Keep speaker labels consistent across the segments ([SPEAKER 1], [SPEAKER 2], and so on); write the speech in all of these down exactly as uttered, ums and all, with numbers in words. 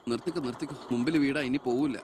[SPEAKER 1] നിർത്തിക്കോ നിർത്തിക്കോ, മുമ്പിൽ വീടാ, ഇനി പോവില്ല.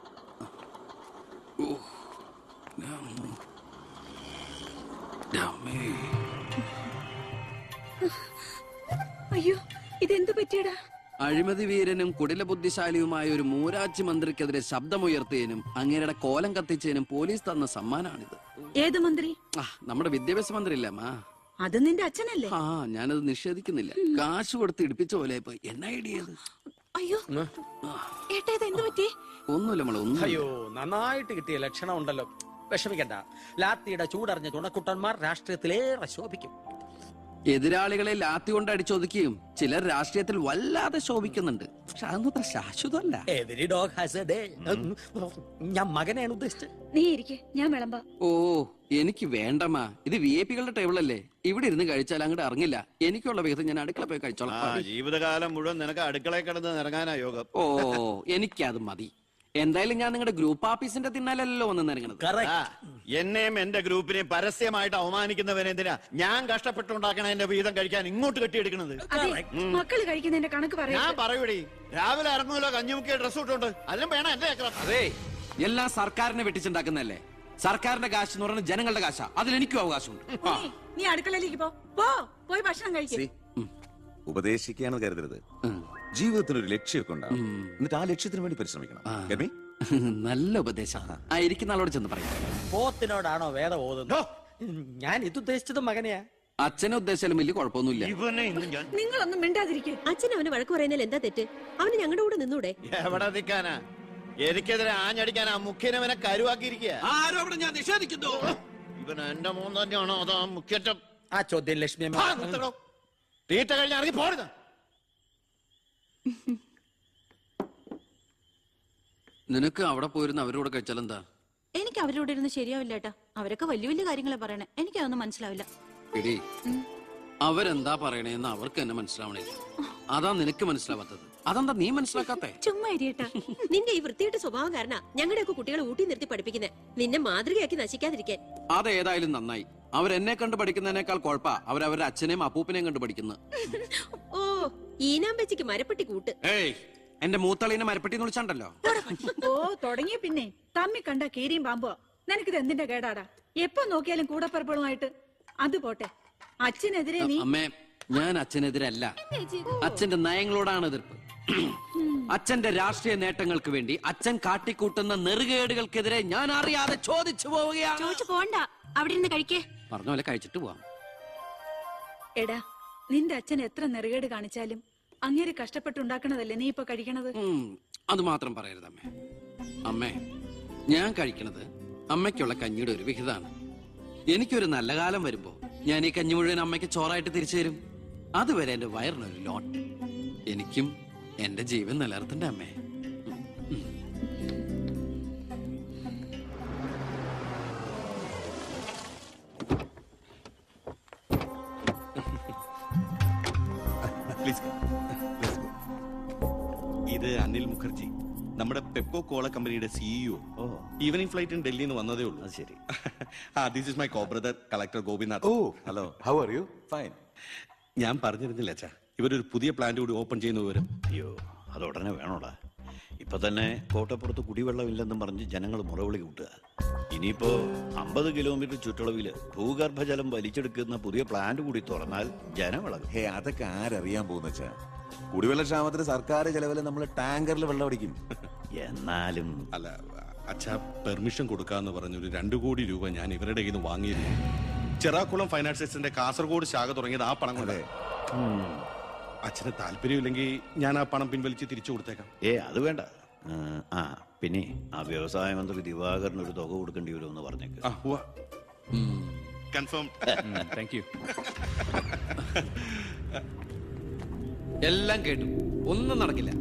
[SPEAKER 2] അയ്യോ, ഇതെന്തു പറ്റിയടാ?
[SPEAKER 1] അഴിമതി വീരനും കുടില ബുദ്ധിശാലിയുമായ ഒരു മൂരാജ് മന്ത്രിക്കെതിരെ ശബ്ദമുയർത്തിയതിനും അങ്ങേരുടെ കോലം കത്തിച്ചതിനും പോലീസ് തന്ന സമ്മാനാണിത്.
[SPEAKER 2] ഏത് മന്ത്രി?
[SPEAKER 1] ആ, നമ്മുടെ വിദ്യാഭ്യാസ മന്ത്രി ഇല്ലേ അമ്മ?
[SPEAKER 2] അത് നിന്റെ അച്ഛനല്ലേ?
[SPEAKER 1] ആ, ഞാനത് നിഷേധിക്കുന്നില്ല. കാശ് കൊടുത്ത് ഇടിപ്പിച്ച പോലെ ഇപ്പൊ എന്ന ഐഡിയ.
[SPEAKER 2] അയ്യോ ഏട്ടാ, ഇത് എന്ത് പറ്റി?
[SPEAKER 1] ഒന്നുമില്ല മോളെ, ഒന്നും.
[SPEAKER 3] അയ്യോ, നന്നായിട്ട് കിട്ടിയ ലക്ഷണം ഉണ്ടല്ലോ. വിഷമിക്കണ്ട, ലാത്തിയുടെ ചൂടറിഞ്ഞ തുണക്കുട്ടന്മാർ രാഷ്ട്രീയത്തിലേറെ ശോഭിക്കും.
[SPEAKER 1] എതിരാളികളെ ലാത്തി കൊണ്ട് അടിച്ചൊതുക്കിയും ചിലർ രാഷ്ട്രീയത്തിൽ വല്ലാതെ ശോഭിക്കുന്നുണ്ട്. പക്ഷെ അതൊന്നും അത്ര ശാശ്വതമല്ല.
[SPEAKER 3] Every dog has a day. ഞാൻ മകനെയാണ് ഉദ്ദേശിച്ചത്.
[SPEAKER 2] നീ ഇരിക്കെ, ഞാൻ വിളമ്പാ.
[SPEAKER 1] ഓ, എനിക്ക് വേണ്ടമ്മാ. ഇത് വി ഐ പികളുടെ ടേബിളല്ലേ, ഇവിടെ ഇരുന്ന് കഴിച്ചാൽ അങ്ങോട്ട് ഇറങ്ങില്ല. എനിക്കുള്ള വിഹിതം ഞാൻ അടുക്കള പോയി കഴിച്ചോളാം.
[SPEAKER 4] ജീവിതകാലം മുഴുവൻ നിനക്ക് അടുക്കളയിൽ കിടന്ന് ഇറങ്ങാനാ യോഗം.
[SPEAKER 1] ഓ, എനിക്കത് മതി. എന്തായാലും ഞാൻ നിങ്ങളുടെ ഗ്രൂപ്പ് ഓഫീസിന്റെ തിന്നാലല്ലോ വന്ന് നിറങ്ങണത്.
[SPEAKER 4] എന്നെയും എന്റെ ഗ്രൂപ്പിനെയും പരസ്യമായിട്ട് അവമാനിക്കുന്നവനെന്തിനാ ഞാൻ കഷ്ടപ്പെട്ടുണ്ടാക്കണ എന്റെ വീതം കഴിക്കാൻ ഇങ്ങോട്ട് കെട്ടിയെടുക്കണത്?
[SPEAKER 2] മക്കള് കഴിക്കുന്നതിന്റെ കണക്ക് പറയാ.
[SPEAKER 4] ഞാൻ പറയൂടി, രാവിലെ ഇറങ്ങുമല്ലോ കഞ്ഞിമുക്കിയ ഡ്രസ് ഇട്ടുണ്ട്, അല്ലും വേണം എന്റെ.
[SPEAKER 1] അതെ, എല്ലാം സർക്കാരിനെ വെട്ടിച്ചുണ്ടാക്കുന്നല്ലേ. സർക്കാരിന്റെ കാശ് എന്ന് പറയുന്നത് ജനങ്ങളുടെ കാശാ, അതിൽ എനിക്കും അവകാശമുണ്ട്.
[SPEAKER 2] നീ അടുക്കളയിലേക്ക് പോ, പോ പോയി ഭക്ഷണം കഴിക്കും.
[SPEAKER 5] ഉപദേശിക്കാന്ന് കരുതരുത്. ജീവിതത്തിന് ഒരു ലക്ഷ്യമൊക്കെ ഉണ്ടാവും, എന്നിട്ട് ആ ലക്ഷ്യത്തിന് വേണ്ടി പരിശ്രമിക്കണം.
[SPEAKER 1] നല്ല ഉപദേശം. ആ ഇരിക്കുന്ന ആളോട് ചെന്ന് പറയാം.
[SPEAKER 3] പോത്തിനോടാണോ വേദം ഓതുന്നത്? ഞാൻ ഇത് ഉദ്ദേശിച്ചത് മകനെയാ.
[SPEAKER 1] അച്ഛനെ ഉദ്ദേശിച്ചാലും വലിയ കുഴപ്പമൊന്നുമില്ല.
[SPEAKER 2] നിങ്ങളൊന്നും മിണ്ടാതിരിക്കെ.
[SPEAKER 6] അച്ഛൻ അവന് വഴക്ക് പറയുന്നതിൽ എന്താ തെറ്റ്? അവന് ഞങ്ങളുടെ കൂടെ നിന്നൂടെ?
[SPEAKER 4] എവിടെ നിൽക്കാനാ? എനിക്കെതിരെ ആഞ്ഞടിക്കാൻ ആ മുഖ്യനവനെ കരുവാക്കിയിരിക്കുക.
[SPEAKER 1] ആരോപണം ഞാൻ നിഷേധിക്കുന്നു.
[SPEAKER 4] ഇവൻ എന്റെ മോൻ തന്നെയാണോ അതോ മുഖ്യറ്റം?
[SPEAKER 3] ആ ചോദ്യം ലക്ഷ്മി
[SPEAKER 4] തീറ്റ കഴിഞ്ഞ ഇറങ്ങി പോരുന്ന.
[SPEAKER 1] നിനക്ക് അവിടെ പോയിരുന്ന അവരോട് കഴിച്ചാലെന്താ?
[SPEAKER 7] എനിക്ക് അവരോട് ഇരുന്ന് ശരിയാവില്ല ഏട്ടാ. അവരൊക്കെ വലിയ വലിയ കാര്യങ്ങളെ പറയണേ, എനിക്കതൊന്നും മനസ്സിലാവില്ല.
[SPEAKER 1] എടീ, അവരെന്താ പറയണേന്ന് അവർക്ക് തന്നെ മനസ്സിലാവണേ. അതാ നിനക്ക് മനസ്സിലാവാത്തത്. അതെന്താ നീ മനസ്സിലാക്കാത്തെ?
[SPEAKER 7] ചുമ്മാ ഇരിയേട്ടാ.
[SPEAKER 6] നിന്റെ ഈ വൃത്തിയുടെ സ്വഭാവം കാരണ ഞങ്ങളുടെയൊക്കെ കുട്ടികളെ ഊട്ടി നിർത്തി പഠിപ്പിക്കുന്നത്, നിന്നെ മാതൃകയാക്കി നശിക്കാതിരിക്കാൻ.
[SPEAKER 1] അതേതായാലും നന്നായി. അവരെന്നെ കണ്ടു പഠിക്കുന്നതിനേക്കാൾ കുഴപ്പാ അവരവരുടെ അച്ഛനെയും അപ്പൂപ്പിനെയും കണ്ടു പഠിക്കുന്നത്.
[SPEAKER 6] ഓ, ഈനാമ്പച്ചിക്ക് മരപ്പെട്ടി കൂട്ട്.
[SPEAKER 1] ഏയ്, എന്റെ മൂത്തളീനെ മരപ്പെട്ടി എന്ന് വിളിച്ചാണ്ടല്ലോ.
[SPEAKER 2] ഓ, തുടങ്ങിയ പിന്നെ തമ്മി കണ്ട കീരിയും പാമ്പോ. നിനക്കിത് എന്തിന്റെ കേടാടാ? എപ്പോ നോക്കിയാലും കൂടപ്പറപ്പുകളുമായിട്ട്. അത് പോട്ടെ, അച്ഛനെതിരെ നീ.
[SPEAKER 1] അമ്മേ, ഞാൻ അച്ഛനെതിരല്ല. അച്ഛന്റെ നയങ്ങളോടാണ് എതിർപ്പ്. അച്ഛന്റെ രാഷ്ട്രീയ നേട്ടങ്ങൾക്ക് വേണ്ടി അച്ഛൻ കാട്ടിക്കൂട്ടുന്ന നെറുകേടുകൾക്കെതിരെ ഞാൻ അറിയാതെ ചോദിച്ചു പോവുകയാണ്.
[SPEAKER 7] ചോദിച്ചു പോണ്ട, അവിടെ ഇരുന്ന് കഴിക്കേ.
[SPEAKER 1] പറഞ്ഞ പോലെ കഴിച്ചിട്ട് പോവാം.
[SPEAKER 2] എടാ, നിന്റെ അച്ഛൻ എത്ര നെറുകേട് കാണിച്ചാലും അങ്ങേര് കഷ്ടപ്പെട്ടുണ്ടാക്കണതല്ലേ നീ ഇപ്പൊ കഴിക്കണത്?
[SPEAKER 1] അത് മാത്രം പറയരുത് അമ്മേ. അമ്മേ, ഞാൻ കഴിക്കണത് അമ്മയ്ക്കുള്ള കഞ്ഞിയുടെ ഒരു വിഹിതമാണ്. എനിക്കൊരു നല്ല കാലം വരുമ്പോ ഞാൻ ഈ കഞ്ഞി മുഴുവൻ അമ്മയ്ക്ക് ചോറായിട്ട് തിരിച്ചു തരും. അതുവരെ എന്റെ വയറിനൊരു ലോട്ട്. എനിക്കും എന്റെ ജീവൻ നിലനിർത്തണ്ടേ അമ്മേ?
[SPEAKER 8] ഇത് അനിൽ മുഖർജി, നമ്മുടെ പെപ്കോ കോള കമ്പനിയുടെ സിഇഒ. ഈവനിംഗ് ഫ്ലൈറ്റിന് ഡൽഹിയിൽ നിന്ന് വന്നതേ ഉള്ളൂ. ശരി. This is my co brother collector Gopinath.
[SPEAKER 5] ഓ, hello. How are you? Fine.
[SPEAKER 8] ഞാൻ പറഞ്ഞിരുന്നില്ല അച്ഛാ, ഇവരൊരു പുതിയ പ്ലാന്റ് കൂടി ഓപ്പൺ ചെയ്യുന്ന വിവരം.
[SPEAKER 4] അയ്യോ, അത് ഉടനെ വേണോടാ. ഇപ്പൊ തന്നെ കോട്ടപ്പുറത്ത് കുടിവെള്ളമില്ലെന്നും പറഞ്ഞ് ജനങ്ങൾ മുറവിളി കൂട്ടുക. ഇനിയിപ്പോ അമ്പത് കിലോമീറ്റർ ചുറ്റളവില് ഭൂഗർഭജലം വലിച്ചെടുക്കുന്ന പുതിയ പ്ലാന്റ് കൂടി തുറന്നാൽ ജനവിളകും.
[SPEAKER 5] ഹേ, അതൊക്കെ ആരറിയാൻ പോകുന്ന വെച്ചാ? കുടിവെള്ള ക്ഷാമത്തിന് സർക്കാർ ചെലവില് നമ്മൾ ടാങ്കറിൽ വെള്ളം അടിക്കും.
[SPEAKER 4] എന്നാലും
[SPEAKER 8] അല്ല അച്ഛാ, പെർമിഷൻ കൊടുക്കാന്ന് പറഞ്ഞൊരു രണ്ടു കോടി രൂപ ഞാൻ ഇവരുടെ കയ്യിൽ നിന്ന് വാങ്ങിയിരുന്നു. ചെറാക്കുളം ഫൈനാൻസിന്റെ കാസർഗോഡ് ശാഖ തുടങ്ങിയത് ആ പണം കൊണ്ട്. അച്ഛന് താല്പര്യമില്ലെങ്കിൽ ഞാൻ ആ പണം പിൻവലിച്ച് തിരിച്ചു കൊടുത്തേക്കാം.
[SPEAKER 4] ഏ, അത് വേണ്ട. ആ, പിന്നെ ആ വ്യവസായ മന്ത്രി ദിവാകരന് ഒരു തുക കൊടുക്കേണ്ടി വരുമെന്ന് പറഞ്ഞേക്ക്.
[SPEAKER 8] കൺഫേം.
[SPEAKER 1] Thank you. എല്ലാം കേട്ടു, ഒന്നും നടക്കില്ല.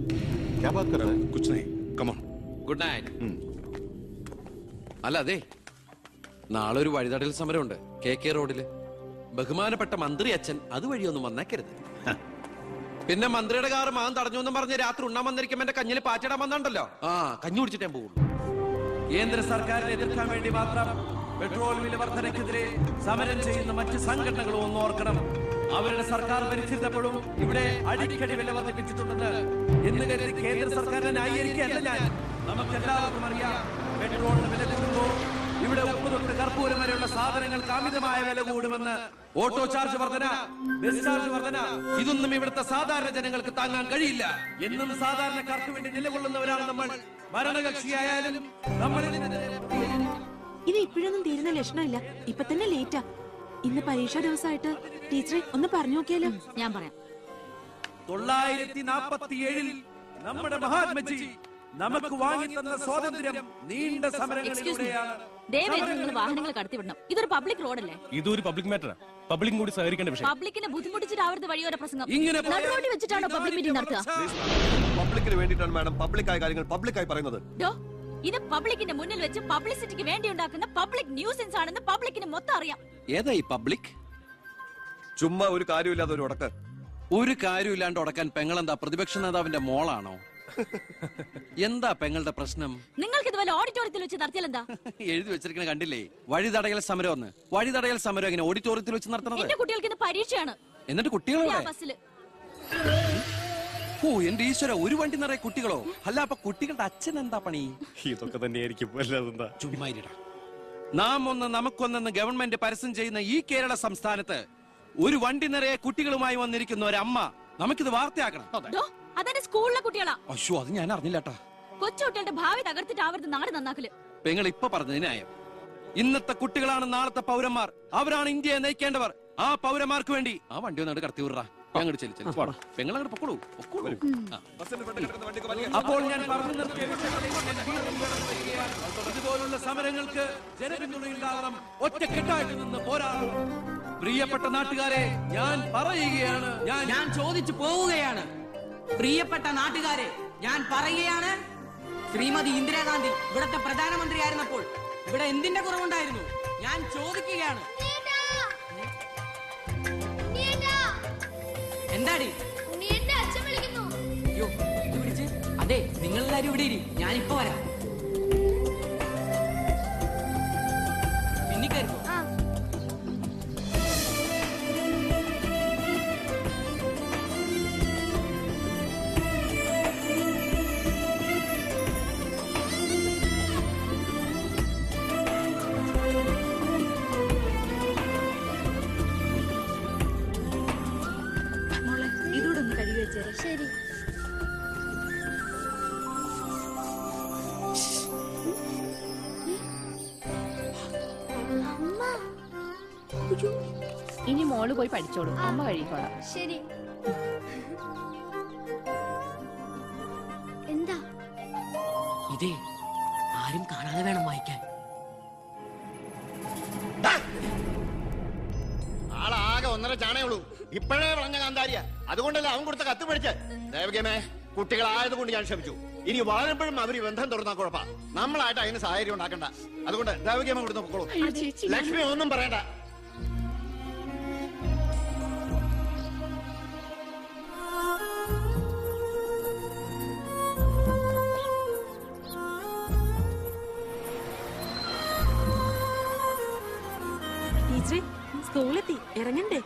[SPEAKER 1] Good night. അല്ല, അതെ, നാളെ ഒരു വഴിതടൽ സമരമുണ്ട് കെ കെ റോഡില്. ബഹുമാനപ്പെട്ട മന്ത്രി അച്ഛൻ അതുവഴിയൊന്നും വന്നേക്കരുത്. പിന്നെ മന്ത്രിയുടെ കാറ് മാൻ തടഞ്ഞു എന്നും പറഞ്ഞ് രാത്രി ഉണ്ണാൻ വന്നിരിക്കുമ്പോ എന്റെ കഞ്ഞിൽ പാറ്റിടാൻ വന്നുണ്ടല്ലോ. ആ, കഞ്ഞി കുടിച്ചിട്ടേ പോകുള്ളൂ. കേന്ദ്ര സർക്കാരിനെ എതിർക്കാൻ വേണ്ടി മാത്രം പെട്രോൾ വില വർധനയ്ക്കെതിരെ സമരം ചെയ്യുന്ന മറ്റ് സംഘടനകളും ഒന്ന് ഓർക്കണം. അവരുടെ സർക്കാർ ഭരിച്ചിരുന്നപ്പോഴും ഇവിടെ അടിക്കടി വില വർദ്ധിപ്പിച്ചിട്ടുണ്ടെന്ന്
[SPEAKER 9] എന്ന് കരുതി കേന്ദ്ര സർക്കാരിനെ ന്യായീകരിക്കുകയല്ല ഞാൻ. നമുക്കെല്ലാവർക്കും അറിയാം, പെട്രോളിന് വില കൂടുമ്പോൾ ഇവിടെ ഉപ്പ് തൊട്ട് കർപ്പൂരം വരെയുള്ള സാധനങ്ങൾക്ക് അമിതമായ വില കൂടുമെന്ന്. ഓട്ടോ ചാർജ് വർധന, ബസ് ചാർജ് വർധന, ഇതൊന്നും ഇവിടുത്തെ സാധാരണ ജനങ്ങൾക്ക് താങ്ങാൻ കഴിയില്ല. എന്നും സാധാരണക്കാർക്ക് വേണ്ടി നിലകൊള്ളുന്നവരാണ് നമ്മൾ. ഭരണകക്ഷിയായാലും നമ്മൾ
[SPEAKER 7] ഇത് ഇപ്പോഴൊന്നും തീരുന്ന ലക്ഷണമില്ല. ഇപ്പൊ തന്നെ ലേറ്റാ. ഇന്ന് പരീക്ഷാ ദിവസമായിട്ട് ടീച്ചറെ ഒന്ന് പറഞ്ഞു നോക്കിയാലോ? ഞാൻ പറയാം.
[SPEAKER 9] തൊള്ളായിരത്തി നാപ്പത്തി ഏഴിൽ നമ്മുടെ മഹാത്മജി നമുക്ക് വാങ്ങിത്തന്ന സ്വാതന്ത്ര്യം നീണ്ട സമരങ്ങളിലൂടെയാണ്.
[SPEAKER 7] നിങ്ങൾ വാഹനങ്ങൾ കടത്തിവിടണം. ഇതൊരു പബ്ലിക് റോഡല്ലേ?
[SPEAKER 10] ഇതൊരു പബ്ലിക് മാറ്ററാ. പബ്ലിക്കും കൂടി സഹകരിക്കേണ്ട വിഷയം.
[SPEAKER 7] പബ്ലിക്കിനെ ബുദ്ധിമുട്ടിച്ചിട്ടാവരുത് വഴിയോര പ്രസംഗം.
[SPEAKER 9] ഇങ്ങനെ
[SPEAKER 7] നടുറോഡിൽ വെച്ചിട്ടാണോ പബ്ലിക് മീറ്റിംഗ് നടത്തുക?
[SPEAKER 11] പബ്ലിക്കിന് വേണ്ടിയിട്ടാണ് മാഡം പബ്ലിക്കായ കാര്യങ്ങൾ പബ്ലിക്കായി പറയുന്നത്.
[SPEAKER 7] ഡോ, ഇത് പബ്ലിക്കിന്റെ മുന്നിൽ വെച്ച് പബ്ലിസിറ്റിക്ക് വേണ്ടി ഉണ്ടാക്കുന്ന പബ്ലിക് ന്യൂസൻസ് ആണെന്ന് പബ്ലിക്കിന് മൊത്തം അറിയാം.
[SPEAKER 1] ഏതാ ഈ പബ്ലിക്?
[SPEAKER 11] ചുമ്മാ ഒരു കാര്യമില്ലാതെ ഒരു ഉടക്ക്.
[SPEAKER 1] ഒരു കാര്യമില്ലാണ്ട് ഉടക്കാൻ പെങ്ങളെന്താ പ്രതിപക്ഷ നേതാവിന്റെ മോളാണോ? എന്താ പെങ്ങളുടെ പ്രശ്നം?
[SPEAKER 7] നിങ്ങൾക്ക് ഇതുപോലെ ഓഡിറ്റോറിയത്തിൽ വെച്ച് നടത്തിയാൽ എന്താ?
[SPEAKER 1] എഴുതി വെച്ചിരിക്കണ കണ്ടില്ലേ? വഴിതടയൽ സമരം ഒന്ന്. വഴിതടയൽ സമരം എങ്ങനെ ഓഡിറ്റോറിയത്തിൽ വെച്ച് നടത്തണത്?
[SPEAKER 7] എന്റെ കുട്ടികൾക്ക് ഇന്ന് പരീക്ഷയാണ്.
[SPEAKER 1] എന്നിട്ട് കുട്ടികളെ
[SPEAKER 7] ബസ്സിൽ.
[SPEAKER 1] ഓ എന്റെ ഈശ്വര, ഒരു വണ്ടി നിറയെ കുട്ടികളോ? അല്ല, അപ്പൊ കുട്ടികളുടെ അച്ഛൻ എന്താ പണി?
[SPEAKER 10] ഇതൊക്കെ തന്നെയായിരിക്കും. അല്ലാതെന്താ?
[SPEAKER 1] ചുമ്മാരിടാ. നാം ഒന്ന് നമുക്കൊന്നെന്ന് ഗവൺമെന്റ് പരസ്യം ചെയ്യുന്ന ഈ കേരള സംസ്ഥാനത്ത് ഒരു വണ്ടി നിറയെ കുട്ടികളുമായി വന്നിരിക്കുന്ന ഒരമ്മ നമുക്കിത് വാർത്തയാക്കണം.
[SPEAKER 7] അതെന്റെ സ്കൂളിലെ കുട്ടികളാ.
[SPEAKER 1] അയ്യോ, അത് ഞാൻ അറിഞ്ഞില്ലട്ടാ.
[SPEAKER 7] കൊച്ചുകുട്ടികളുടെ ഭാവി തകർത്തിട്ടാവരുത് നാട് നന്നാക്കല്.
[SPEAKER 1] പെങ്ങൾ ഇപ്പൊ പറഞ്ഞത് ന്യായം. ഇന്നത്തെ കുട്ടികളാണ് നാളത്തെ പൗരന്മാർ. അവരാണ് ഇന്ത്യയെ നയിക്കേണ്ടവർ. ആ പൗരന്മാർക്ക് വേണ്ടി ആ വണ്ടി ഒന്നോട് കടത്തി വിടറാ. പെങ്ങൾ അങ്ങോട്ട് പൊക്കോളൂ പൊക്കോളൂ. അപ്പോൾ ഞാൻ പറഞ്ഞു നിർത്തിയ ഇതുപോലുള്ള സമരങ്ങൾക്ക് ജനപിന്തുണയുണ്ടാകണം. ഒറ്റക്കെട്ടായിട്ട് നിന്ന് പോരാടണം. പ്രിയപ്പെട്ട നാട്ടുകാരെ, ഞാൻ പറയുകയാണ്, ഞാൻ
[SPEAKER 12] ഞാൻ ചോദിച്ചു പോവുകയാണ്. പ്രിയപ്പെട്ട നാട്ടുകാരെ, ഞാൻ പറയുകയാണ്, ശ്രീമതി ഇന്ദിരാഗാന്ധി ഇവിടത്തെ പ്രധാനമന്ത്രിയായിരുന്നപ്പോൾ ഇവിടെ എന്തിന്റെ കുറവുണ്ടായിരുന്നു? ഞാൻ ചോദിക്കുകയാണ്. എന്താടി? അയ്യോ, ഇത് പിടിച്ച്. അതെ, നിങ്ങളെല്ലാരും ഇവിടെ ഇരി, ഞാനിപ്പോ വരാം. പിന്നിക്കായിരുന്നു.
[SPEAKER 2] ഇതോടൊന്ന് കഴുകി വെച്ചേരാ. ശരി.
[SPEAKER 7] ഇനി മോള് പോയി പഠിച്ചോളൂ, അമ്മ കഴിക്കോളാം.
[SPEAKER 2] ശരി. എന്താ
[SPEAKER 12] ഇതേ ആരും കാണാതെ വേണം വായിക്കാൻ.
[SPEAKER 11] ആളാകെ ഒന്നര ചാണേ ഉള്ളൂ. ഇപ്പോഴേ വളഞ്ഞ കാന്താരിയ. അതുകൊണ്ടല്ലേ അവൻ കൊടുത്ത കത്ത് പഠിച്ച്. ദേവകമേ, കുട്ടികളായതുകൊണ്ട് ഞാൻ ക്ഷമിച്ചു. ഇനി വളരുമ്പോഴും അവര് ബന്ധം തുറന്നാ കുഴപ്പാ. നമ്മളായിട്ട് അതിന് സാഹചര്യം ഉണ്ടാക്കണ്ട. അതുകൊണ്ട് ദേവകമ കൊടുത്ത് പൊക്കോളൂ. ലക്ഷ്മി ഒന്നും പറയണ്ട.
[SPEAKER 7] ടീച്ചറെ, സ്കൂളെത്തി, ഇറങ്ങണ്ടേ?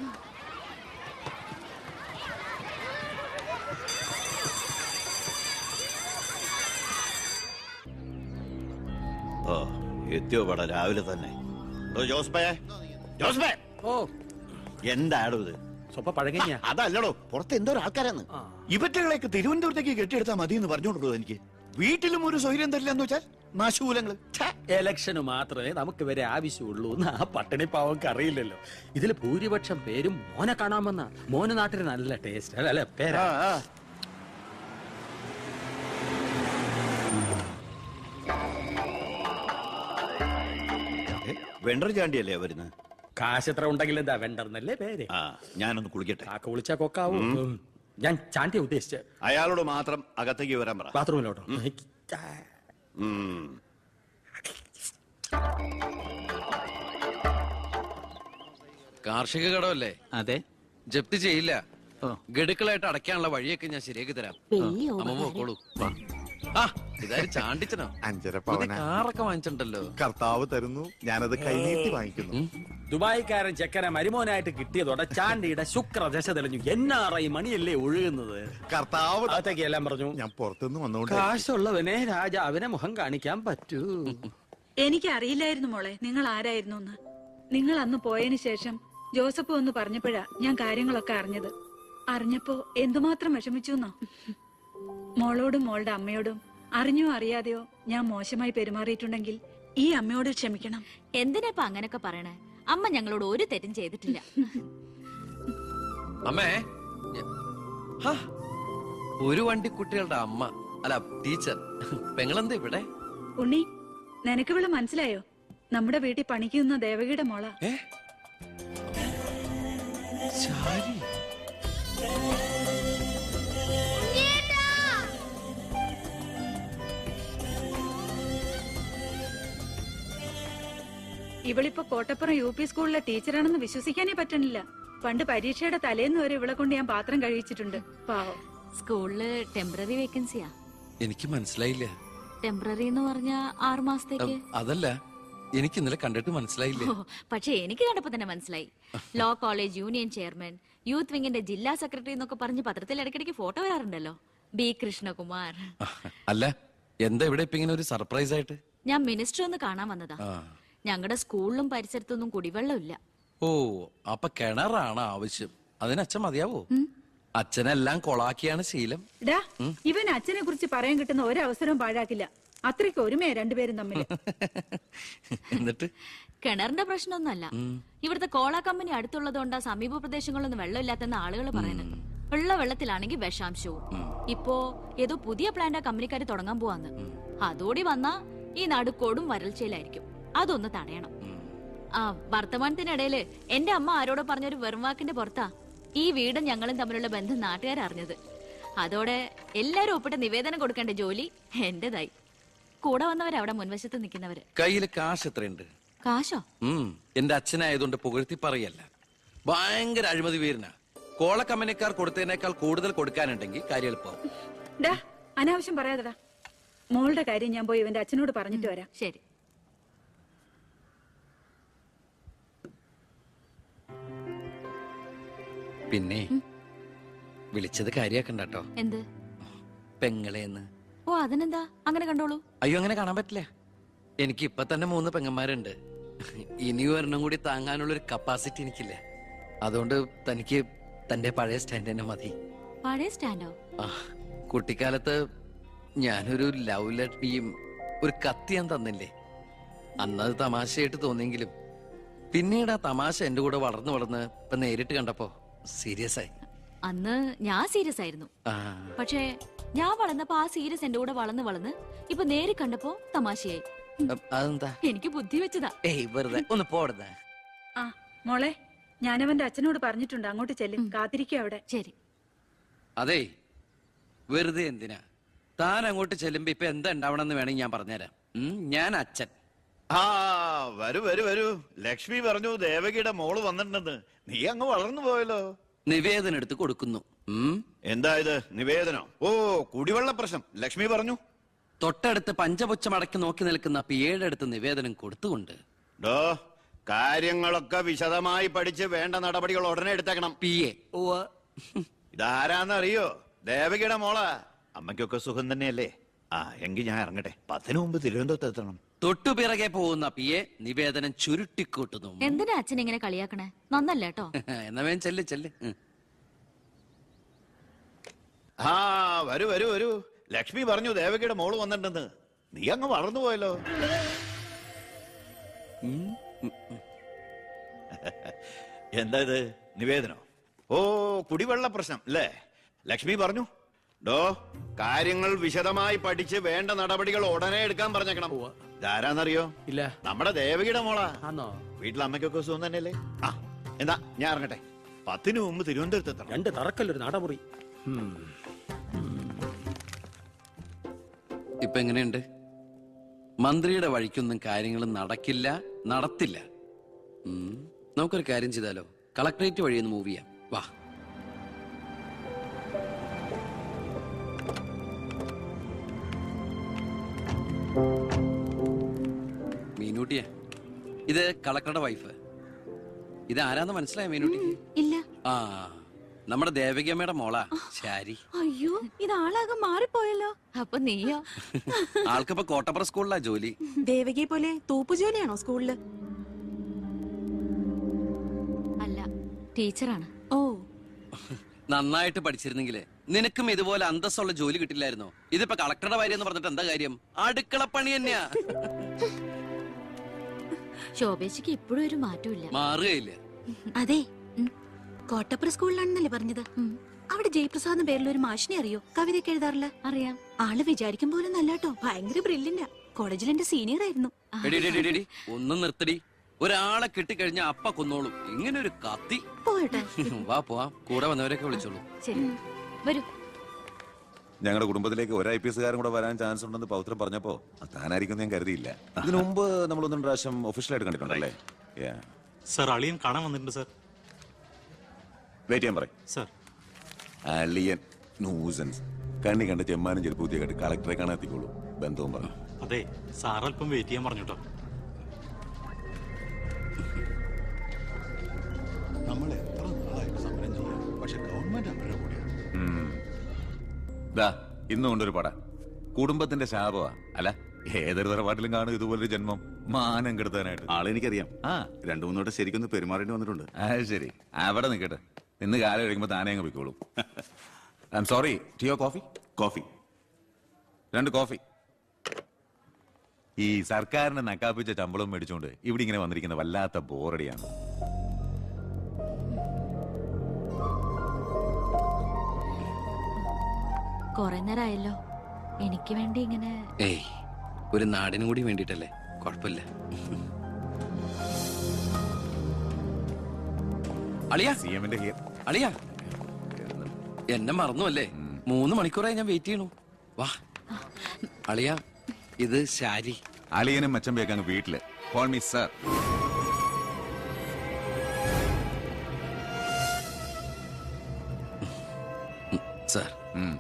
[SPEAKER 4] ഓ എത്തിയോ പട രാവിലെ തന്നെ. ജോസ്ബേ, ജോസ്ബേ,
[SPEAKER 3] ഓ
[SPEAKER 4] എന്താടോ ഇത്?
[SPEAKER 3] സ്വപ്പ പഴകഞ്ഞ.
[SPEAKER 11] അതല്ലടോ, പുറത്ത് എന്തോ ആൾക്കാരാന്ന്. ഇവറ്റകളെയൊക്കെ തിരുവനന്തപുരത്തേക്ക് കെട്ടിയെടുത്താൽ മതി എന്ന് പറഞ്ഞോണ്ടോ എനിക്ക്. വീട്ടിലും ഒരു സൗകര്യം തരില്ല എന്ന് വെച്ചാൽ നാശൂലങ്ങള്.
[SPEAKER 3] എലക്ഷന് മാത്രമേ നമുക്ക് വരെ ആവശ്യമുള്ളൂ എന്ന് ആ പട്ടിണി പാവർക്ക് അറിയില്ലല്ലോ. ഇതിൽ ഭൂരിപക്ഷം പേരും മോനെ കാണാമെന്ന. മോന് നാട്ടിന് നല്ല ടേസ്റ്റ് അല്ലെ പേരാ.
[SPEAKER 4] വെണ്ടർ ചാണ്ടിയല്ലേ വരുന്നത്?
[SPEAKER 3] കാശ് എത്ര ഉണ്ടെങ്കിൽ എന്താ വെണ്ടർന്നല്ലേ പേര്.
[SPEAKER 4] ആ, ഞാനൊന്ന് കുളിക്കട്ടെ.
[SPEAKER 3] കാക്ക വിളിച്ചാ കൊക്കാവും. ഞാൻ ചാണ്ടിയെ ഉദ്ദേശിച്ച.
[SPEAKER 4] അയാളോട് മാത്രം അകത്തേക്ക് വരാൻ പറ.
[SPEAKER 3] ബാത്റൂമിലോട്ടോ.
[SPEAKER 1] കാർഷിക കടമല്ലേ?
[SPEAKER 12] അതെ.
[SPEAKER 1] ജപ്തി ചെയ്യില്ല. ഗഡുക്കളായിട്ട് അടയ്ക്കാനുള്ള വഴിയൊക്കെ ഞാൻ ശരിയാക്കി തരാം. അമ്മ പോക്കോളൂ. ആ ഇതാര് ചാണ്ടിച്ചനോ?
[SPEAKER 13] അഞ്ചര
[SPEAKER 1] പുതിയ
[SPEAKER 13] പവന
[SPEAKER 1] കാറൊക്കെ വാങ്ങിച്ചിട്ടുണ്ടല്ലോ.
[SPEAKER 13] കർത്താവ് തരുന്നു, ഞാനത് കൈനീട്ടി വാങ്ങിക്കുന്നു.
[SPEAKER 3] ദുബായിക്കാരൻ ചെക്കനെ മരുമോനായിട്ട് കിട്ടിയതോടെ ചാണ്ടിയുടെ ശുക്ര ദശ തെളിഞ്ഞു. എന്നാറ ഈ മണിയല്ലേ ഒഴുകുന്നത്.
[SPEAKER 13] കർത്താവ്
[SPEAKER 3] അകത്തേക്ക് എല്ലാം പറഞ്ഞു.
[SPEAKER 13] ഞാൻ പുറത്തുനിന്ന് വന്നോണ്ട്
[SPEAKER 3] കാശുള്ളവനെ രാജാവിനെ മുഖം കാണിക്കാൻ പറ്റൂ.
[SPEAKER 2] എനിക്ക് അറിയില്ലായിരുന്നു മോളെ നിങ്ങൾ ആരായിരുന്നു എന്ന്. നിങ്ങൾ അന്ന് പോയതിനു ശേഷം ജോസഫ് ഒന്ന് പറഞ്ഞപ്പോഴാ ഞാൻ കാര്യങ്ങളൊക്കെ അറിഞ്ഞത്. അറിഞ്ഞപ്പോ എന്തുമാത്രം വിഷമിച്ചു എന്നോ. മോളോടും മോളുടെ അമ്മയോടും അറിഞ്ഞോ അറിയാതെയോ ഞാൻ മോശമായി പെരുമാറിയിട്ടുണ്ടെങ്കിൽ ഈ അമ്മയോട് ക്ഷമിക്കണം.
[SPEAKER 14] എന്തിനാ അങ്ങനൊക്കെ പറയണേ? അമ്മ ഞങ്ങളോട് ഒരു തെറ്റും ചെയ്തിട്ടില്ല.
[SPEAKER 1] അമ്മേ ഞ- ഹാ, ഒരു വണ്ടി കുട്ടികളുടെ അമ്മ അല്ല ടീച്ചർ പെങ്ങളെന്താ ഇവിടെ?
[SPEAKER 2] ഉണ്ണി, നിനക്ക് ഇവിടെ മനസ്സിലായോ? നമ്മുടെ വീട്ടിൽ പണിക്ക് നിന്ന ദേവകിയുടെ മോള.
[SPEAKER 1] ഏ ശാരി.
[SPEAKER 2] ഇവളിപ്പോ കോട്ടപ്പുറം യു പി സ്കൂളിലെ ടീച്ചറാണെന്ന് വിശ്വസിക്കാനേ പറ്റണില്ല. പണ്ട് പരീക്ഷയുടെ തലേന്ന് വരെ ഇവളെ കൊണ്ട് ഞാൻ പാത്രം കഴിച്ചിട്ടുണ്ട്. പാവം.
[SPEAKER 14] സ്കൂളില് ടെമ്പററി വേക്കൻസിയാ.
[SPEAKER 1] എനിക്ക് മനസ്സിലായില്ല.
[SPEAKER 14] ടെമ്പററി എന്ന് പറഞ്ഞ ആറു മാസത്തേക്ക്.
[SPEAKER 1] അതല്ല, എനിക്ക് ഇന്നലെ കണ്ടിട്ട് മനസ്സിലായില്ല.
[SPEAKER 14] ഓ, പക്ഷെ എനിക്ക് കണ്ടപ്പോ തന്നെ മനസ്സിലായി. Law college union chairman, youth വിങ്ങിന്റെ ജില്ലാ സെക്രട്ടറി എന്നൊക്കെ പറഞ്ഞ് പത്രത്തിൽ ഇടയ്ക്കിടയ്ക്ക് ഫോട്ടോ വരാറുണ്ടല്ലോ. ബി കൃഷ്ണകുമാർ.
[SPEAKER 1] അല്ല, എന്താ ഇവിടെ ഇപ്പൊ ഇങ്ങനെ ഒരു സർപ്രൈസ് ആയിട്ട്?
[SPEAKER 14] ഞാൻ മിനിസ്റ്റർ ഒന്ന് കാണാൻ വന്നതാ. ഞങ്ങളുടെ സ്കൂളിലും പരിസരത്തൊന്നും കുടിവെള്ളമില്ല.
[SPEAKER 1] ഓ, അപ്പൊ കിണറാണ് ആവശ്യം. അതിന് അച്ഛൻ മതിയാവോ? അച്ഛനെല്ലാം കൊളാക്കിയാണ് ശീലം.
[SPEAKER 2] ഡാ, ഇവൻ അച്ഛനെ കുറിച്ച് പറയാൻ കിട്ടുന്ന ഒരവസരവും പാഴാക്കില്ല. അത്രയ്ക്ക് ഒരുമയാ രണ്ടുപേരും തമ്മിൽ.
[SPEAKER 1] എന്നിട്ട്
[SPEAKER 14] കിണറിന്റെ പ്രശ്നമൊന്നുമല്ല. ഇവിടുത്തെ കോള കമ്പനി അടുത്തുള്ളതുകൊണ്ടാ സമീപ പ്രദേശങ്ങളിലൊന്നും വെള്ളമില്ലാത്തെന്ന് ആളുകൾ പറയുന്നത്. ഉള്ള വെള്ളത്തിലാണെങ്കിൽ വിഷാംശവും. ഇപ്പോ ഏതോ പുതിയ പ്ലാന്റ് കമ്പനിക്കാര് തുടങ്ങാൻ പോവാന്ന്. അതോടി വന്നാ ഈ നടുക്കോടും വരൾച്ചയിലായിരിക്കും. അതൊന്ന് തടയണം. ആ വർത്തമാനത്തിനിടയില് എന്റെ അമ്മ ആരോടോ പറഞ്ഞൊരു വെറും വാക്കിന്റെ പുറത്താ ഈ വീടും ഞങ്ങളും തമ്മിലുള്ള ബന്ധം നാട്ടുകാരറിഞ്ഞത്. അതോടെ എല്ലാരും ഒപ്പിട്ട് നിവേദനം കൊടുക്കേണ്ട ജോലി എന്റേതായി. കൂടെ വന്നവരവിടെ മുൻവശത്ത് നിൽക്കുന്നവര്.
[SPEAKER 1] കയ്യില് കാശ് എത്രയുണ്ട്?
[SPEAKER 14] കാശോ?
[SPEAKER 1] ഉം എന്റെ അച്ഛനായതുകൊണ്ട് പുകഴ്ത്തി പറയല്ല. ഭയങ്കര അഴിമതി വീരനാ. കോള കമ്പനിക്കാർ കൊടുത്തതിനേക്കാൾ കൂടുതൽ കൊടുക്കാനുണ്ടെങ്കിൽ കാര്യം എളുപ്പം.
[SPEAKER 2] ഡാ, അനാവശ്യം പറയാതെടാ. മോളുടെ കാര്യം ഞാൻ പോയി ഇവന്റെ അച്ഛനോട് പറഞ്ഞിട്ട് വരാം.
[SPEAKER 14] ശരി.
[SPEAKER 1] പിന്നെ വിളിച്ചത് കാര്യാക്കണ്ട കേട്ടോ.
[SPEAKER 14] എന്ത്?
[SPEAKER 1] പെങ്ങളേന്ന്.
[SPEAKER 14] ഓ, അതിനെന്താ? അങ്ങനെ കണ്ടോളൂ.
[SPEAKER 1] അയ്യോ, അങ്ങനെ കാണാൻ പറ്റില്ല. എനിക്ക് ഇപ്പൊ തന്നെ മൂന്ന് പെങ്ങന്മാരുണ്ട്. ഇനി ഒരെണ്ണം കൂടി താങ്ങാനുള്ളൊരു കപ്പാസിറ്റി എനിക്കില്ല. അതുകൊണ്ട് തനിക്ക് തന്റെ പഴയ സ്റ്റാൻഡ് തന്നെ മതി.
[SPEAKER 14] പഴയ സ്റ്റാൻഡോ?
[SPEAKER 1] ആ, കുട്ടിക്കാലത്ത് ഞാനൊരു ലവ് ലെറ്ററിയും ഒരു കത്തി ഞാൻ തന്നില്ലേ. അന്നത് തമാശയായിട്ട് തോന്നിയെങ്കിലും പിന്നീട് ആ തമാശ എന്റെ കൂടെ വളർന്നു വളർന്ന് ഇപ്പൊ നേരിട്ട് കണ്ടപ്പോ സീരിയസ് ആയി.
[SPEAKER 14] അന്ന് ഞാൻ സീരിയസ് ആയിരുന്നു. പക്ഷേ ഞാൻ വളർന്നപ്പോ ആ സീരിയസ് എന്റെ കൂടെ വളർന്ന് വളർന്ന് ഇപ്പൊ നേരി കണ്ടപ്പോ തമാശയായി.
[SPEAKER 1] അതെന്താ?
[SPEAKER 14] എനിക്ക് ബുദ്ധി വെച്ചതാ.
[SPEAKER 1] ഏയ് വെറുതെ ഒന്ന് പോടുന്ന.
[SPEAKER 2] ആ മോളെ, ഞാനവന്റെ അച്ഛനോട് പറഞ്ഞിട്ടുണ്ട്. അങ്ങോട്ട് ചെല്ലും. കാത്തിരിക്കുക അവിടെ.
[SPEAKER 14] ശരി.
[SPEAKER 1] അതെ, വെറുതെ എന്തിനാ താൻ അങ്ങോട്ട് ചെല്ലുമ്പോ ഇപ്പൊ എന്താ ഉണ്ടാവണമെന്ന് വേണമെങ്കിൽ ഞാൻ പറഞ്ഞുതരാം. ഞാൻ അച്ഛൻ.
[SPEAKER 4] ആ വരൂ വരൂ വരൂ. ലക്ഷ്മി പറഞ്ഞു ദേവകിയുടെ മോള് വന്നിട്ടുണ്ടെന്ന്. നീ അങ്ങ് വളർന്നു പോയല്ലോ.
[SPEAKER 1] നിവേദനം എടുത്ത് കൊടുക്കുന്നു.
[SPEAKER 4] എന്താ ഇത് നിവേദനം? ഓ, കുടിവെള്ള പ്രശ്നം ലക്ഷ്മി പറഞ്ഞു.
[SPEAKER 1] തൊട്ടടുത്ത് പഞ്ചപുച്ഛം അടക്കി നോക്കി നിൽക്കുന്ന പിയേഴടുത്ത് നിവേദനം കൊടുത്തുകൊണ്ട്
[SPEAKER 4] ഡോ കാര്യങ്ങളൊക്കെ വിശദമായി പഠിച്ച് വേണ്ട നടപടികൾ ഉടനെ എടുത്തേക്കണം.
[SPEAKER 1] P A.
[SPEAKER 4] ഇതാരാന്നറിയോ? ദേവകിയുടെ മോളാ. അമ്മയ്ക്കൊക്കെ സുഖം തന്നെയല്ലേ? ആ എങ്കിൽ ഞാൻ ഇറങ്ങട്ടെ. പത്തിന് മുമ്പ് തിരുവനന്തപുരത്ത് എത്തണം.
[SPEAKER 1] തൊട്ടു പിറകെ പോകുന്ന പി എ നിവേദനം ചുരുട്ടിക്കൂട്ടുന്നു.
[SPEAKER 14] എന്തിനാ അച്ഛൻ ഇങ്ങനെ കളിയാക്കണേ? നന്നല്ല കേട്ടോ.
[SPEAKER 1] എന്നാ വേഗം ചെല്ല് ചെല്ല്.
[SPEAKER 4] ആ വരൂ വരൂ വരൂ. ലക്ഷ്മി പറഞ്ഞു ദേവകിയുടെ മോള് വന്നിട്ടുണ്ടെന്ന്. നീ അങ്ങ് വളർന്നു പോയല്ലോ. എന്താ ഇത് നിവേദനോ? ഓ, കുടിവെള്ള പ്രശ്നം അല്ലേ? ലക്ഷ്മി പറഞ്ഞു ഡോ കാര്യങ്ങൾ വിശദമായി പഠിച്ച് വേണ്ട നടപടികൾ ഉടനെ എടുക്കാൻ പറഞ്ഞേക്കണം. ഇതാരാന്നറിയോ?
[SPEAKER 3] ഇല്ല.
[SPEAKER 4] നമ്മുടെ ദേവകിയുടെ മോളാ.
[SPEAKER 3] ആണോ?
[SPEAKER 4] വീട്ടിൽ അമ്മയ്ക്കൊക്കെ സുഖം തന്നെയല്ലേ? ആ എന്താ ഞാൻ ഇറങ്ങട്ടെ. പത്തിന് മുമ്പ് തിരുവനന്തപുരത്ത് എത്തണം.
[SPEAKER 3] രണ്ട് തറക്കല്ലൊരു നടമുറി.
[SPEAKER 1] ഇപ്പൊ എങ്ങനെയുണ്ട്? മന്ത്രിയുടെ വഴിക്കൊന്നും കാര്യങ്ങൾ നടക്കില്ല, നടത്തില്ല. നമുക്കൊരു കാര്യം ചെയ്താലോ? കളക്ടറേറ്റ് വഴി ഒന്ന് മൂവ് ചെയ്യാം. വാ. മീനുട്ടിയെ, ഇത് കളക്ടറുടെ വൈഫ്. ഇത് ആരാന്ന് മനസ്സിലായ മീനുട്ടിക്ക്?
[SPEAKER 7] ഇല്ല.
[SPEAKER 1] ആ, നമ്മുടെ ദേവകിയമ്മയുടെ മോളാ ശാരി.
[SPEAKER 7] അയ്യോ, ഇത് ആളാകെ മാറിപ്പോയല്ലോ.
[SPEAKER 14] അപ്പൊ നീയോ?
[SPEAKER 1] ആൾക്കിപ്പോ കോട്ടപ്പുറ സ്കൂളിലാ ജോലി.
[SPEAKER 7] ദേവകിയെ പോലെ തൂപ്പു ജോലിയാണോ സ്കൂളില്?
[SPEAKER 14] അല്ല, ടീച്ചറാണ്.
[SPEAKER 7] ഓ,
[SPEAKER 1] നന്നായിട്ട് പഠിച്ചിരുന്നെങ്കില് നിനക്കും ഇതുപോലെ അന്തസ്സുള്ള ജോലി കിട്ടില്ലായിരുന്നോ? ഇതിപ്പോ കളക്ടറുടെ ഭാര്യ എന്ന് പറഞ്ഞിട്ട് എന്താ കാര്യം? അടുക്കളപ്പണി തന്നെയാ.
[SPEAKER 14] ശോഭേച്ചിക്ക് ഇപ്പോഴും ഒരു മാറ്റമില്ല.
[SPEAKER 1] മാറുകയില്ല.
[SPEAKER 15] അതെ, കോട്ടപ്പുറ സ്കൂളിലാണെന്നല്ലേ പറഞ്ഞത്? അവിടെ ജയപ്രസാദ് പേരിൽ ഒരു മാഷിനെ അറിയോ? കവിതയൊക്കെ എഴുതാറില്ല.
[SPEAKER 14] അറിയാം.
[SPEAKER 15] ആള് വിചാരിക്കും പോലെ നല്ലാട്ടോ, ഭയങ്കര ബ്രില്യന്റാ. കോളേജിൽ എന്റെ സീനിയർ ആയിരുന്നു.
[SPEAKER 1] എടി, എടി, എടി, എടി, ഒന്നും നിർത്തടി. ഒരാളെ കിട്ടിക്കഴിഞ്ഞ അപ്പ കൊന്നോളും. ഇങ്ങനെ ഒരു കത്തി.
[SPEAKER 15] പോട്ടെ,
[SPEAKER 1] വാ പോവാം. കൂടെ വന്നവരൊക്കെ വിളിച്ചോളൂ.
[SPEAKER 14] ശരി, വരൂ.
[SPEAKER 5] ഞങ്ങളുടെ കുടുംബത്തിലേക്ക് ഒരു ഐ പി എസ് കാരൻ കൂടെ വരാൻ ചാൻസ് ഉണ്ടെന്ന് പൗത്രം പറഞ്ഞപ്പോ താനായിരിക്കും ഞാൻ കരുതിയില്ല. ഇതിനു മുമ്പ് നമ്മൾ ഒന്നും പ്രാവശ്യം ഒഫീഷ്യലായിട്ട് കണ്ടിട്ടുണ്ടല്ലേ?
[SPEAKER 10] സർ, അളിയൻ കാണാൻ വന്നിട്ടുണ്ട് സർ.
[SPEAKER 5] വെയിറ്റ് ചെയ്യാൻ പറയും
[SPEAKER 10] സർ.
[SPEAKER 5] അളിയൻ ന്യൂസൻസ്. കണ്ണി കണ്ട ചെമ്മാനും ചെരുപ്പ് പുതിയ കണ്ട് കളക്ടറെ കാണാൻ എത്തിക്കോളൂ. ബന്ധവും പറഞ്ഞു.
[SPEAKER 10] അതെ, സാർ അല്പം വെയിറ്റ് ചെയ്യാൻ പറഞ്ഞോട്ടോ.
[SPEAKER 8] നമ്മൾ എത്ര നാളായിട്ട് സമരം ചെയ്യാം, പക്ഷെ ഗവൺമെന്റ് അവരുടെ കൂടെയാണ്.
[SPEAKER 5] ദാ ഇന്നും കൊണ്ടൊരു പട കുടുംബത്തിന്റെ ശാപമാ. അല്ല, ഏതൊരു തറവാട്ടിലും കാണും ഇതുപോലൊരു ജന്മം. മാനം കെടുത്താനായിട്ട്.
[SPEAKER 13] ആളെനിക്കറിയാം.
[SPEAKER 5] ആ,
[SPEAKER 13] രണ്ടു മൂന്നോട്ട് ശരിക്കൊന്ന് പെരുമാറേണ്ടി വന്നിട്ടുണ്ട്.
[SPEAKER 5] അത് ശരി. അവിടെ നിൽക്കട്ടെ. ഇന്ന് കാലം കഴിയുമ്പോ താനേ അങ്ങ് പോയിക്കോളും. I am sorry. ടീയോ കോഫി?
[SPEAKER 13] കോഫി.
[SPEAKER 5] രണ്ട് കോഫി. ഈ സർക്കാരിനെ നക്കാപ്പിച്ച ശമ്പളം മേടിച്ചുകൊണ്ട് ഇവിടെ ഇങ്ങനെ വന്നിരിക്കുന്ന വല്ലാത്ത ബോറടിയാണ്.
[SPEAKER 14] കൊറേ നേരമായല്ലോ. എനിക്ക് വേണ്ടി ഇങ്ങനെ.
[SPEAKER 1] ഏയ്, ഒരു നാടിനും കൂടി വേണ്ടിട്ടല്ലേ. കുഴപ്പമില്ല. അളിയാ,
[SPEAKER 5] സി എമ്മിന്റെ ഹിയർ.
[SPEAKER 1] അളിയാ, എന്നെ മറന്നു അല്ലേ? മൂന്ന് മണിക്കൂറായി ഞാൻ വെയിറ്റ് ചെയ്യണു. വാ അളിയാ, ഇത് ശാരി.
[SPEAKER 5] അളിയനും മച്ചമ്പയൊക്കെ അങ്ങ് വീട്ടില്. Call me sir.
[SPEAKER 1] സാർ,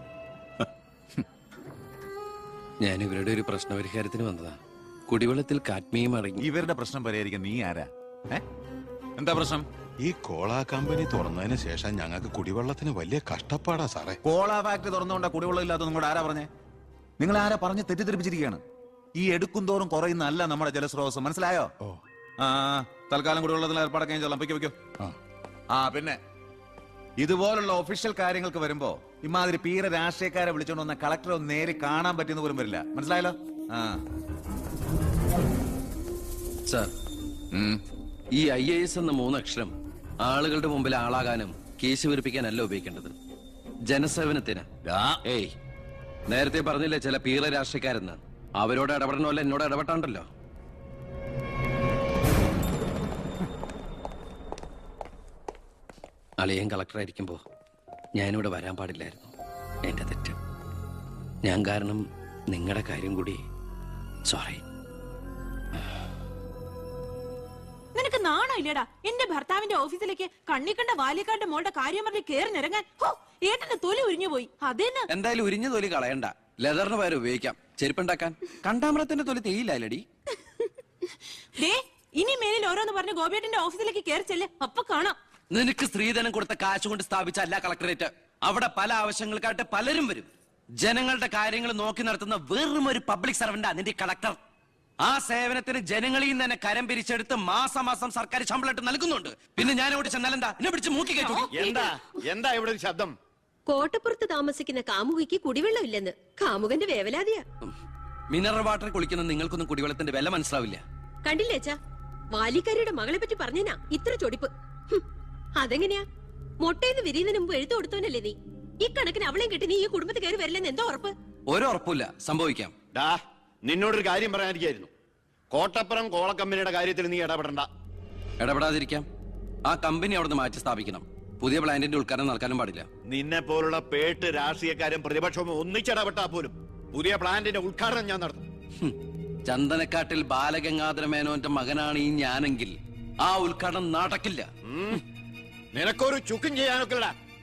[SPEAKER 1] ഞാൻ ഇവരുടെ ഒരു പ്രശ്നപരിഹാരത്തിന് വന്നതാ. കുടിവെള്ളത്തിൽ കാഡ്മിയം അടങ്ങി.
[SPEAKER 5] ഇവരുടെ പ്രശ്നം പരിഹരിക്കാൻ നീ ആരാ? എന്താ പ്രശ്നം?
[SPEAKER 8] ഈ കോള കമ്പനി തുറന്നതിന് ശേഷം ഞങ്ങൾക്ക് കുടിവെള്ളത്തിന് വലിയ കഷ്ടപ്പാടാ സാറേ.
[SPEAKER 5] കോള ഫാക്ടറി തുറന്നുകൊണ്ടാ കുടിവെള്ളം ഇല്ലാത്ത നിങ്ങളോട് ആരാ പറഞ്ഞേ? നിങ്ങൾ ആരാ പറഞ്ഞ് തെറ്റിദ്ധരിപ്പിച്ചിരിക്കുകയാണ്? ഈ എടുക്കും തോറും കുറയുന്ന അല്ല നമ്മുടെ ജലസ്രോതസ്. മനസ്സിലായോ? ആ, തൽക്കാലം കുടിവെള്ളത്തിൽ ഏർപ്പാടൊക്കെ ചെയ്തോളാം. പൊയ്ക്കോ പൊയ്ക്കോ. ആ, പിന്നെ ഇതുപോലുള്ള ഒഫീഷ്യൽ കാര്യങ്ങൾക്ക് വരുമ്പോ ഇമാതിരി പീര രാഷ്ട്രീയക്കാരെ വിളിച്ചോണ്ട് വന്ന കളക്ടറെ ഒന്ന് നേരി കാണാൻ പറ്റിയെന്ന് പോലും വരില്ല. മനസ്സിലായല്ലോ? ആ
[SPEAKER 1] സാർ, ഈ ഐ എ എസ് എന്ന മൂന്നക്ഷരം ആളുകളുടെ മുമ്പിൽ ആളാകാനും കേസ് വീർപ്പിക്കാനല്ല ഉപയോഗിക്കേണ്ടത്. ജനസേവനത്തിന്. ഏയ്, നേരത്തെ പറഞ്ഞില്ലേ ചില പീറ രാഷ്ട്രീയക്കാരെന്ന്? അവരോട് ഇടപെടണമല്ല എന്നോട് ഇടപെട്ടാണ്ടല്ലോ. അളിയൻ കളക്ടറായിരിക്കുമ്പോ ഞാനിവിടെ വരാൻ പാടില്ലായിരുന്നു. എന്റെ തെറ്റ്. ഞാൻ കാരണം നിങ്ങളുടെ കാര്യം കൂടി. സോറി.
[SPEAKER 7] നിനക്ക് നാണോ ഇല്ലടാ? എന്റെ ഭർത്താവിന്റെ ഓഫീസിലേക്ക് കണ്ണിക്കണ്ട വാലിക്കാരുടെ മോളുടെ കാര്യം പറഞ്ഞ് കേറി നിറങ്ങാൻ. ഏട്ടന്റെ തൊലി ഉരിഞ്ഞു പോയി. അതേന്ന്.
[SPEAKER 1] എന്തായാലും ഉരിഞ്ഞ തൊലി കളയണ്ട. ലെതറിന് പകരം ഉപയോഗിക്കാം. ചെരുപ്പുണ്ടാക്കാൻ. കണ്ടാമറത്തിന്റെ തൊലി തേയില്ലടി.
[SPEAKER 7] ഇനി മേലിൽ ഓരോന്ന് പറഞ്ഞ് ഗോപിയേട്ടന്റെ ഓഫീസിലേക്ക് കയറി ചെല്ല്. അപ്പൊ കാണാം.
[SPEAKER 1] നിനക്ക് സ്ത്രീധനം കൊടുത്ത കാശ് കൊണ്ട് സ്ഥാപിച്ച അല്ല കളക്ടറേറ്റ്. അവിടെ പല ആവശ്യങ്ങൾക്കായിട്ട് പലരും വരും. ജനങ്ങളുടെ കാര്യങ്ങൾ നോക്കി നടത്തുന്ന വെറും ഒരു പബ്ലിക് സർവന്റാ നിന്റെ കളക്ടർ. ആ സേവനത്തിന് ജനങ്ങളിൽ നിന്ന് തന്നെ കരം പിരിച്ചെടുത്ത് മാസം മാസം സർക്കാർ ശമ്പളമായിട്ട് നൽകുന്നുണ്ട്. പിന്നെ ഞാൻ അവിടെ ചെന്നാലെന്താ? എന്നെ പിടിച്ച് മൂക്കി കേട്ടു.
[SPEAKER 11] എന്താ എന്താ ഇവിടെ ഒരു ശബ്ദം?
[SPEAKER 6] കോട്ടപ്പുറത്ത് താമസിക്കുന്ന കാമുകിക്ക് കുടിവെള്ളം ഇല്ലെന്ന്. കാമുകന്റെ വേവലാതിയാ.
[SPEAKER 1] മിനറൽ വാട്ടർ കുളിക്കുന്ന നിങ്ങൾക്കൊന്നും കുടിവെള്ളത്തിന്റെ വില മനസ്സിലാവില്ല.
[SPEAKER 6] കണ്ടില്ലേച്ചാ, വാലിക്കാരിയുടെ മകളെ പറ്റി പറഞ്ഞാ ഇത്ര ചൊടിപ്പ്. അതെങ്ങനെയാ? മൊട്ടേന്ന് വിരിയുന്നതിന് മുമ്പ് എഴുത്തു കൊടുത്തവനല്ലേ നീ? ഈ കണക്കിന് അവളെയും കെട്ടി നീ ഈ കുടുംബത്തിൽ കയറി വരില്ലെന്ന് എന്തോ ഉറപ്പ്?
[SPEAKER 1] ഒരു ഉറപ്പില്ല. സംഭവിക്കാം.
[SPEAKER 11] ഡാ, നിന്നോടൊരു കാര്യം പറയാനിരിക്കായിരുന്നു. കോട്ടപ്പുറം കോള കമ്പനിയുടെ കാര്യത്തിൽ നീ ഇടപെടണ്ട.
[SPEAKER 1] ഇടപെടാതിരിക്കാം. ആ കമ്പനി അവിടെ നിന്ന് മാറ്റി സ്ഥാപിക്കണം. പുതിയ പ്ലാന്റിന്റെ ഉദ്ഘാടനം നടക്കാനും പാടില്ല.
[SPEAKER 11] നിന്നെ പോലുള്ള പേട്ട് രാഷ്ട്രീയക്കാരും പ്രതിപക്ഷവും ഒന്നിച്ചിടപെട്ടാ പോലും പുതിയ പ്ലാന്റിന്റെ ഉദ്ഘാടനം ഞാൻ നടത്തും.
[SPEAKER 1] ചന്ദനക്കാട്ടിൽ ബാലഗംഗാധര മേനോന്റെ മകനാണ് ഈ ഞാനെങ്കിൽ ആ ഉദ്ഘാടനം നടക്കില്ല.
[SPEAKER 11] നിനക്കൊരു ചുക്കും ചെയ്യാനൊക്കെ